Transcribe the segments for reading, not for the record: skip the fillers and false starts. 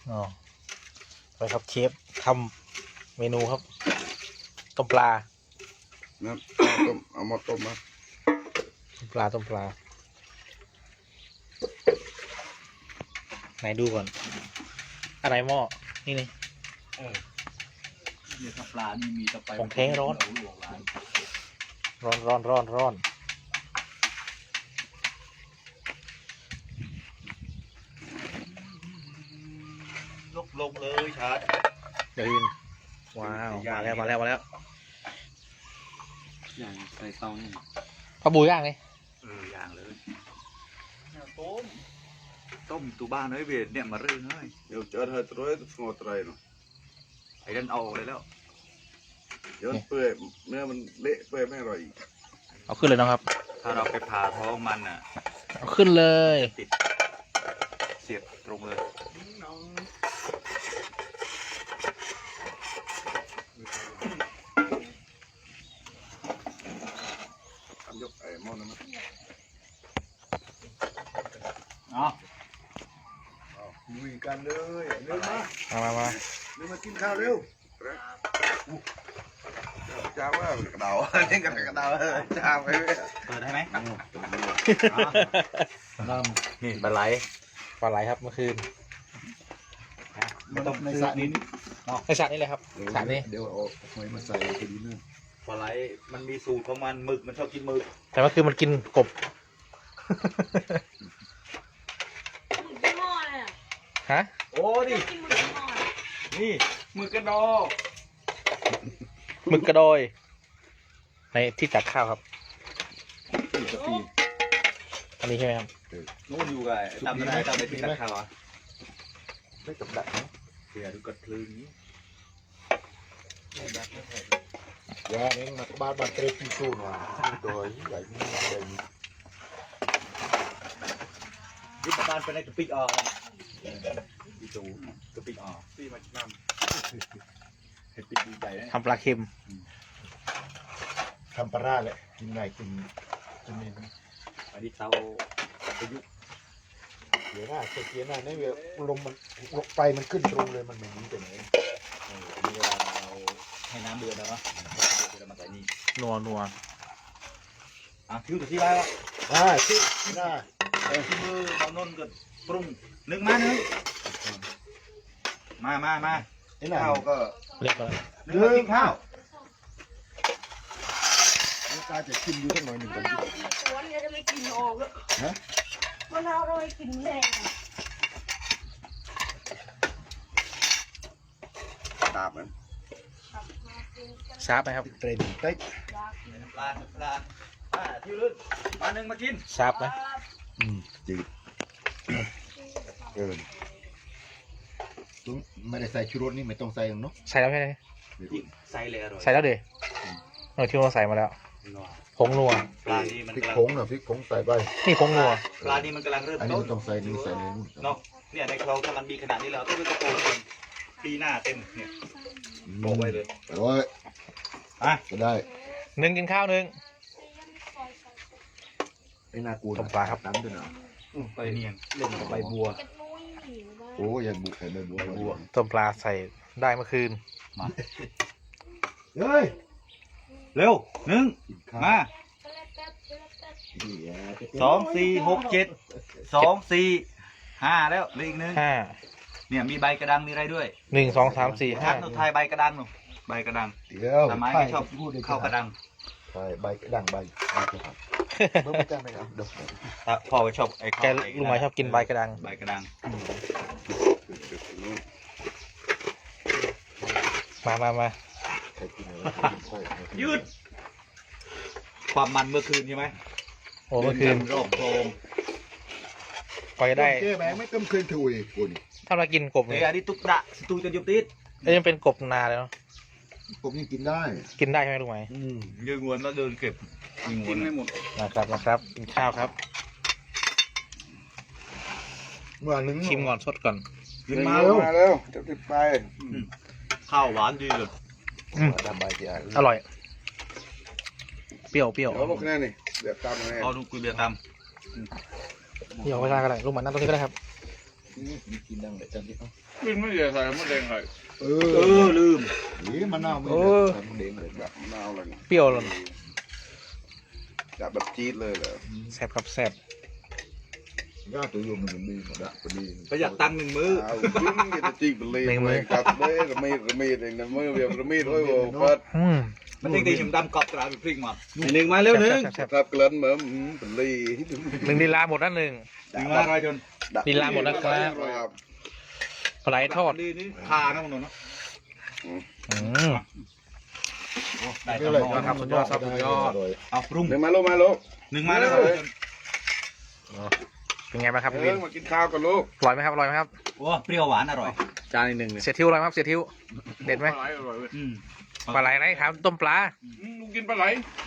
อ๋อไปครับเชฟทำเมนูครับต้มปลานะต้มเอามาต้มมาต้มปลาไหนดูก่อนอะไรหม้อนี่นี่เนี่ยถ้าปลานี่มีตะไปของแท้ร้อนลกลงเลยชาร์จเดี๋ยวยินว้าวมาแล้วอย่างใส่เตานี่ปลาบูย่างเลยอย่างเลยต้มตัวบ้านเฮ้ยเบียดเนี่ยมาเรื่องเฮ้ยเดี๋ยวเจอเธอตัวสงบใจเนาะไอ้ดันเอาเลยแล้วเดี๋ยวเปื่อยเนื้อมันเละเปื่อยไม่อร่อยอีกเอาขึ้นเลยนะครับถ้าเราไปผ่าท้องมันอ่ะเอาขึ้นเลยติดเสียบตรงเลยทำยกไอ้หม้อนั้นนะอ๋อลุยกันเลยเร็วมามาเร็วมากินข้าวเร็วจ้าว่ากระเดาเล่นกันกระเดาจ้าไปเลยเปิดได้ไหมนี่ปลาไหลครับเมื่อคืนต้มในสระนี้ในสระนี่เลยครับสระนี้เดี๋ยวเอาหอยมาใส่พอดีนึงปลาไหลมันมีสูตรของมันหมึกมันชอบกินหมึกแต่เมื่อคืนมันกินกบยี่ห้ออะไรอ่ะฮะโอ้ดิกินหมึกยี่ห้ออะไรนี่หมึกกระดอหมึกกระโดยในที่ตักข้าวครับปีกะปีอันนี้ใช่ไหมครับนู่นอยู่ไงตามได้ตามไปที่ตะขาวอ่ะไม่กับดักนะเสียดูกระทลือนี้ยาเนี่ยมาบ้านเตะปีตู้หน่อยตัวใหญ่ใหญ่ยึดบ้านไปในกระปิกออกพี่จูกระปิกออกพี่มาน้ำเห็ดปิกดีใจนะทำปลาเค็มทำปลาร้าแหละกินไงกินจะมีอันนี้เตาประยุกต์เดี๋ยวหน้าเกียร์หน้าเนี่ยลมมันไฟมันขึ้นตรงเลยมันไม่หนีไปไหนมีเวลาเราให้น้ำเดือดแล้วเนาะเรามาใส่นี่นัวคิ้วตัวที่ไรวะที่หน้าที่มือเราโน่นก็ปรุงนึกมามาไอ้หน้าข้าวก็เรียบร้อยนึกมากินข้าวตาจะชิมอยู่สักหน่อยหนึ่งมะก่อนนาวในสวนเนี่ยจะไม่กินออกเลยฮะมะนาวเราไม่กินแรงอะตาบมันครับมากินกันชาร์ปไหมครับเตรนเต็กอยากกินปลาที่ลื่นมาหนึ่งมากินชาร์ปไหมจืดไม่ได้ใส่ชูรสนี่ไม่ต้องใส่เนาะใส่แล้วใช่ไหมใส่เลยอร่อยใส่แล้วเดี๋ยวที่เราใส่มาแล้วผงนัวปลานี่มันพริกกำลังผงนะพริกผงใส่ไปนี่ผงนัวปลานี่มันกำลังเริ่มอันนี้ต้นไม่ต้องใส่นี่ใส่ในนู่นเนาะเนี่ยในคลองกำลังมีขนาดนี้แล้วต้องไปตะโกนกันปีหน้าเต็มเนี่ยบอกไว้เลยโอ้ยอ่ะก็ได้หนึ่งกินข้าวหนึ่งไอ้นากูต้มปลาครับน้ำด้วยนะไปเนียงเล่นกับใบบัวกันนุ้ยหิวมากโอ้ยยังบุกใส่ใบบัวต้มปลาใส่ได้เมื่อคืนมาเฮ้ยเร็วหนึ่งกินข้าวมา 2 4 6 7 2 4 5แล้วเหลืออีกนึงห้าเนี่ยมีใบกระดังมีอะไรด้วย 1 2 3 4 ชักหนูไทยใบกระดังหนูใบกระดังเดี๋ยวทำไมไม่ชอบเข้ากระดังใช่ใบกระดังใบเมื่อไม่ได้ไหมครับเดี๋ยวพ่อก็ชอบไอ้แกลุงหมายชอบกินใบกระดังใบกระดังมาใครกินอะไรใช่ยืดความมันเมื่อคืนใช่ไหมโอ้เมื่อคืนรอบโครงกว่าจะได้เจ๊แบงไม่ต้มคืนถุยกูนี่ถ้าเรากินกบเฮ้เนี่ย ยอันนี้ตุ๊กตะสตูจนยุบติดยังเป็นกบนาเลยเนาะผมยังกินได้กินได้ใช่ไหมลุงหมายยืนงวนแล้วเดินเก็บยืนงวนไม่หมดนะครับกินข้าวครับเมื่อนึงชิมก่อนสดก่อนกินมามาแล้วจะติดไปข้าวหวานดีเลยดำใบเจียอร่อย เปรี้ยวเดี๋ยวลูกแน่นี่เดี๋ยวตามแน่เอาดูกุยเบียร์ตามเดี๋ยวไม่ได้ก็ได้ลุงหมายนั่งตรงนี้ก็ได้ครับกินดังเลยจำที่เขากินไม่เยอะใส่มะเร็งเลยลืมนี่มันน่าไม่โอ้ได้มันเด้งเลยแบบมะนาวอะไรเงี้ยเปรี้ยวเลยจับแบบจี๊ดเลยเหรอแซ่บครับแซ่บย่าตัวโยมมันดีหมดอะพอดีประหยัดตังค์1 มื้อเอาวิ่งกินจี๊ดไปเลยกัดเลยระมีเองนะมือเวียระมีด้วยโว้เปิดมันยังตีหิมดำกรอบตราไปพริกหมด1 มาเร็ว1 แซ่บครับเกลือนเหมือนเป็นลีหนึ่งลีลาหมดนั่นหนึ่ง 1 มาอร่อยจนลีลาหมดนะครับ ปลาไหลทอดนี่ทานะมึงเนาะอืมได้นี่ตเลยลอดครับสุดยอดครับสุดยอดเอาปรุงเดี๋ยวมาลูกมาลูก 1 มาแล้วเป็นไงบ้างครับพี่เอวิอน มากินข้าวกันลูกอร่อยไหมครับอร่อยไหมครับโอ้เปรี้ยวหวานอร่อยจานหนึ่งเนี่ยเสียทิวอร่อยไหมครับเสียทิวเด็ดไหมปลาไหลอร่อยเว้ยปลาไหลไหนครับต้มปลาลูกกินปลาไหล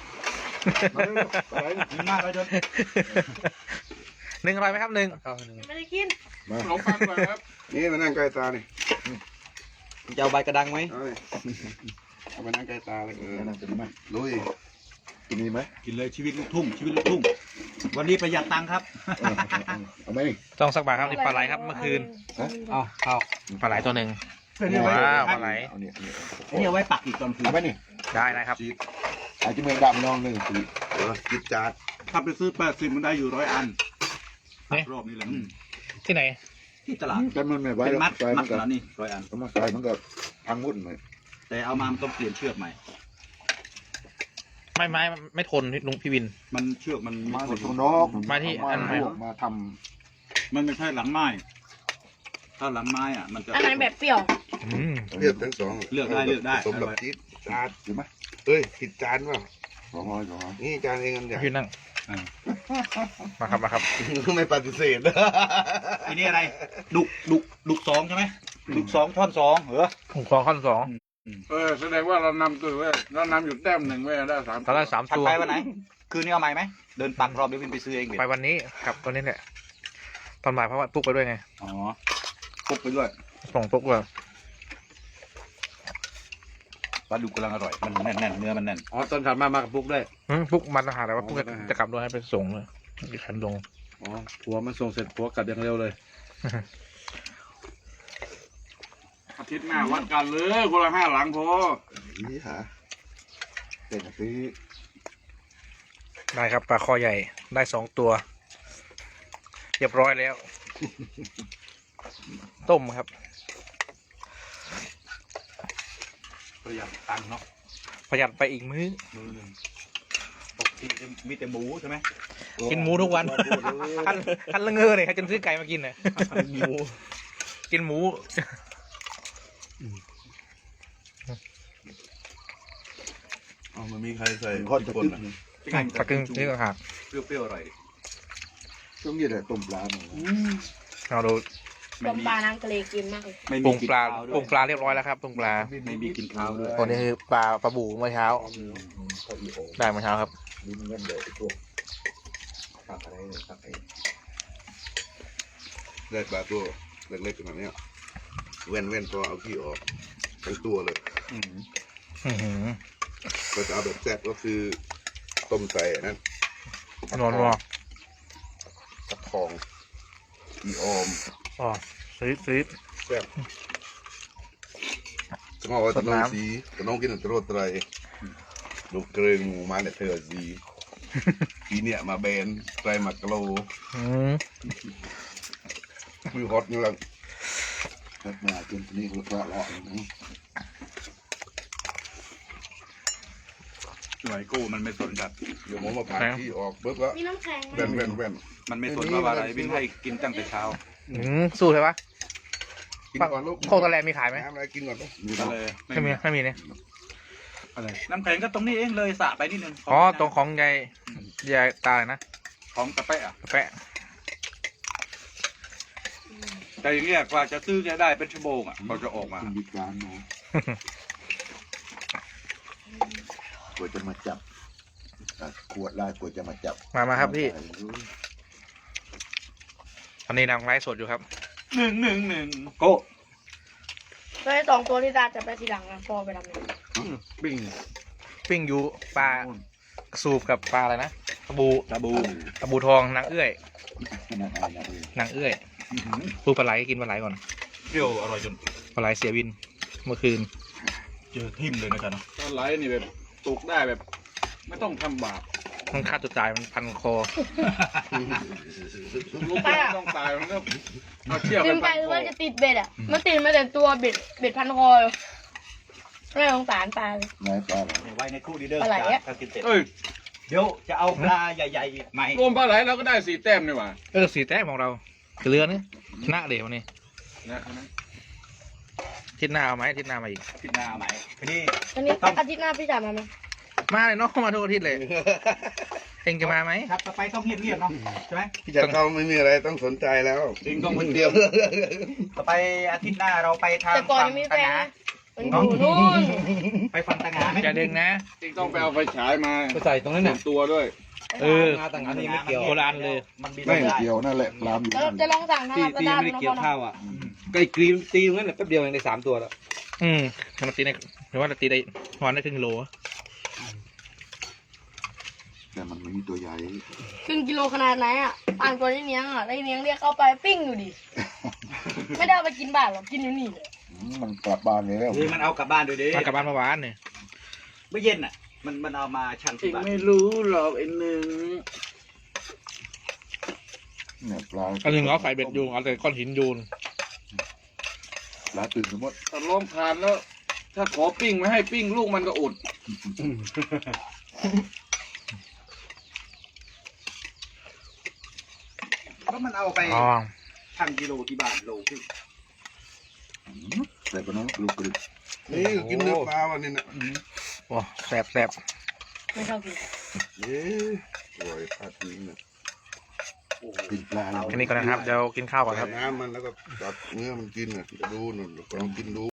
1 มาอร่อยจนหนึ่งอร่อยไหมครับหนึ่งไม่ได้กินขนมปังก่อนครับนี่มานั่งใกล้ตานี่จะเอาใบกระดังไหมเอาไปนั่งใกล้ตาเลยนั่นเป็นไหมลุยกินนี่ไหมกินเลยชีวิตลูกทุ่งชีวิตลูกทุ่งวันนี้ประหยัดตังค์ครับเอาไหมนี่ต้องสักบาทครับนี่ปลาไหลครับเมื่อคืนเอาเอาปลาไหลตัวหนึ่งนี่ไว้ว้าวปลาไหลเอาเนี่ยนี่เอาไว้ปักอีกตอนคืนเอาไหมนี่ได้นะครับอาจจะเมืองดำน้องหนึ่งสีจิตจาดถ้าไปซื้อ80มันได้อยู่100 อันนี่รอบนี้เลยที่ไหนที่ตลาดแต่มันไม่ไหวเป็นมัดใส่มัมัดนก็แล้วนี่100 อันก็มาใส่มันก็พังวุ่นเลยแต่เอามามันต้องเปลี่ยนเชือกใหม่ไม่ทนลุงพี่วินมันเชือกมันมาไม่ทจากนตรงนอกมาที่อันไหนมาทมันไม่ใช่หลังไม้ถ้าหลังไม้อ่ะมันจะอันไหนแบบเปรี้ยวอืมเลือกทั้งสองเลือกได้สมแบบจิตจาดำอยู่ไหมเอ้ยผิดจานเปล่า 200 นี่จานเองอันใหญ่พี่นั่งมาครับมาครับไม่ปฏิเสธไอ้นี่อะไรดุก2ใช่ไหมดุก2 ท่อน 2เหรอผมขอขั้นสองแสดงว่าเรานำตัวเว้ยเรานำอยู่แต้มหนึ่งเว้ยได้3 ตอนแรก3 ถัดตัวไปวันไหน คืนนี้เอาใหม่ไหมเดินปักรอบเดี๋ยววินไปซื้อเองเบ็ดไปวันนี้ครับตัวนี้แหละตอนบ่ายเพราะว่าปุ๊กไปด้วยไงอ๋อปุ๊บไปด้วยส่งปุ๊กเลยปลาดุกกำลังอร่อยมันแน่นเนื้อมันแน่นอ๋อตอนถัดมากับปุ๊กได้ปุ๊กมันอาหารแต่ว่าปุ๊กจะกลับด้วยให้ไปส่งเลยอีกคันลงอ๋อผัวมันส่งเสร็จผัวกลับอย่างเร็วเลยอาทิตย์หน้าวัดกันเลยคนละ5 หลังพอนี่หาเป็นซื้อได้ครับปลาคอใหญ่ได้2 ตัว เรียบร้อยแล้ว ต้มครับประหยัดตังค์เนาะประหยัดไปอีกมื้อมือหนึ่งปกติมีแต่หมูใช่ไหมกินหมูทุกวันคันละเงอเลยครับจนซื้อไก่มากินน่ะกินหมูอ๋อมันมีใครใส่ทอดกระตึ๊บตะกึ่งนี่ก็หักเปรี้ยวๆอร่อยดิช่วงนี้แหละต้มปลาหนูเราดูต้มปลาน้ำทะเลกินมากเลยไม่ปรุมีงกินปลาข้าวด้ปรุวยงปลาเรียบร้อยแล้วครับปรุงปลาไม่มีกินข้าวด้วยตัวนี้คือปลาบูเมื่อเช้า ได้เมื่อเช้าครับลิ้นเงินเดี๋ยวไอ้พวกตักอะไรเนี่ยตักไอ้ได้ปลาตัวเล็กๆขนาดเนี้ยเว้นพอเอาขี้ออกทั้งตัวเลยอืมอื้อหือก็จะเอาแบบแซ่บก็คือต้มใส่นั่นนอนวอตะทองอีออมอ๋อซื้อแซ่บสมองว่าตะน้องสีตะน้องกินตะโรดไตรลูกเกรงหมูมาเนี่ยเธอสีทีเนี่ยมาเบนไตรมากะโลอืมมือฮอตอยู่แล้วตักมาจนนี่ก็ละเลาะนะหน่วยกู้มันไม่สนครับเดี๋ยวผมมาผ่าขี้ออกปุ๊บก็มีน้ำแข็งไหมแว่นมันไม่สนว่าอะไรวิ่งให้กินตั้งแต่เช้าสู้ใช่ปะกินก่อนลูกโคตรแลมีขายไหมน้ำอะไรกินก่อนลูกก็เลยไม่มีเนี่ยอะไรน้ำแข็งก็ตรงนี้เองเลยสระไปนิดนึงอ๋อตรงของยายตาเลยนะของตะแปะอะแปะแต่อย่างเงี้ยกว่าจะซื้อแกได้เป็นชั่วโมงอ่ะเขาจะออกมาคุณบิดการเนาะกว่าจะมาจับขวดได้กว่าจะมาจับมาครับพี่ตอนนี้นางไลฟ์สดอยู่ครับ 111โก้แล้วไอ้2 ตัวที่ตาจับได้ทีหลังนะพอไปทำเนี่ยปิ้งอยู่ปลากระสูบกับปลาอะไรนะตะบูตาบูตะบูทองนางเอื้อยขนาดอะไรนะนางเอื้อยปูปลาไหลกินปลาไหลก่อนเปรี้ยวอร่อยจนปลาไหลเสียวินเมื่อคืนเจอทิ่มเลยนะจ๊ะเนาะปลาไหลนี่แบบตกได้แบบ ไม่ต้องทำบาปมันฆ่าตัวตายมันพันคอลูกไม่ต้องตายมันก็เอาเชือกกินไปพันหรือคอว่าจะติดเบ็ดอ่ะ มันติดมาแต่ตัวเบ็ดพันคอเลยไม่สงสารปลาเลยไหนปลาอะไรไว้ในครู่ดีเด้อปลาไหลอะถ้ากินเสร็จเอ้ยเดี๋ยวจะเอาปลาใหญ่ๆไหมรวมปลาไหลเราก็ได้4 แต้มนี่หว่าสีแต้มของเราเรือนี่ชนะเดี๋ยวนี้นะทิศหน้าเอาไหมทิศหน้ามาอีกขึ้นหน้าไหมทีนี้อันนี้อาทิตย์หน้าพี่จ๋ามาไหมมาเลยเนาะมาทุกอาทิตย์เลยเองจะมาไหมครับต่อไปต้องเงียบๆเนาะใช่ไหมพี่จักรเขาไม่มีอะไรต้องสนใจแล้วจริงต้องคมันนเดียวต่อไปอาทิตย์หน้าเราไปทางแต่ก่อนยังมีแฟนนะมันอยู่นู่นไปฟันตะงาไหมอย่าดึงนะจริงต้องไปเอาไฟฉายมาไปใส่ตรงนั้นหน่ะตัวด้วยเออต่างอันนี้ไม่เกี่ยวโบราณเลยมันบินไม่ไม่ได้เกี่ยวนั่นแหละปลาอยู่แล้วจะลองสั่งทางตีลาซาตีด้าไม่ดูได้นะเกี่ยวข้าวอ่ะก็ไอ้กรีมตีตรงนั้นแหละแป๊บเดียวเองได้3 ตัวแล้วมันตีในหรือว่าเราตีได้วันได้ครึ่งโลแต่มันไม่มีตัวใหญ่ครึ่งกิโลขนาดไหนอ่ะอ่างตัวนี้เนี้ยงอ่ะได้เนี้ยงเรียกเข้าไปปิ้งอยู่ดิ ไม่ได้เอาไปกินบ้านหรอกกินอยู่นี่เลยมันกลับบ้านเลยแล้วคือมันเอากลับบ้านด้วยดิมากลับบ้านเมื่อวานเนี่ยเมื่อเย็นอ่ะ มันเอามาชั่งเอที่งบ้านไม่รู้หรอกไอ้หนึ่งเนี่ยปลาเอาถึงเอาใส่เบ็ดยูเอาแต่ก้อนหินยูนปลาตื่นสมมติถ้าล้มผ่านแล้ว ถ้าขอปิ้งไม่ให้ปิ้งลูกมันก็อดแล้วมันเอาไปอ๋อชั่งกิโลที่บ้านโลขึ้นแต่ปน้องลูกกระดึกนี่กินเนื้อปลาวันนี้นะโอ้แสบแสบไม่ชอบกินเอ๊ะโอ้ยพลาดทิ้งนะกินปลาแล้วแค่นี้ก่อนนะครับเดี๋ยวกินข้าวก่อนคใส่รับน้ำมันแล้วก็จับเนื้อมันกินน่ะจะดูหน่อยลองกินดู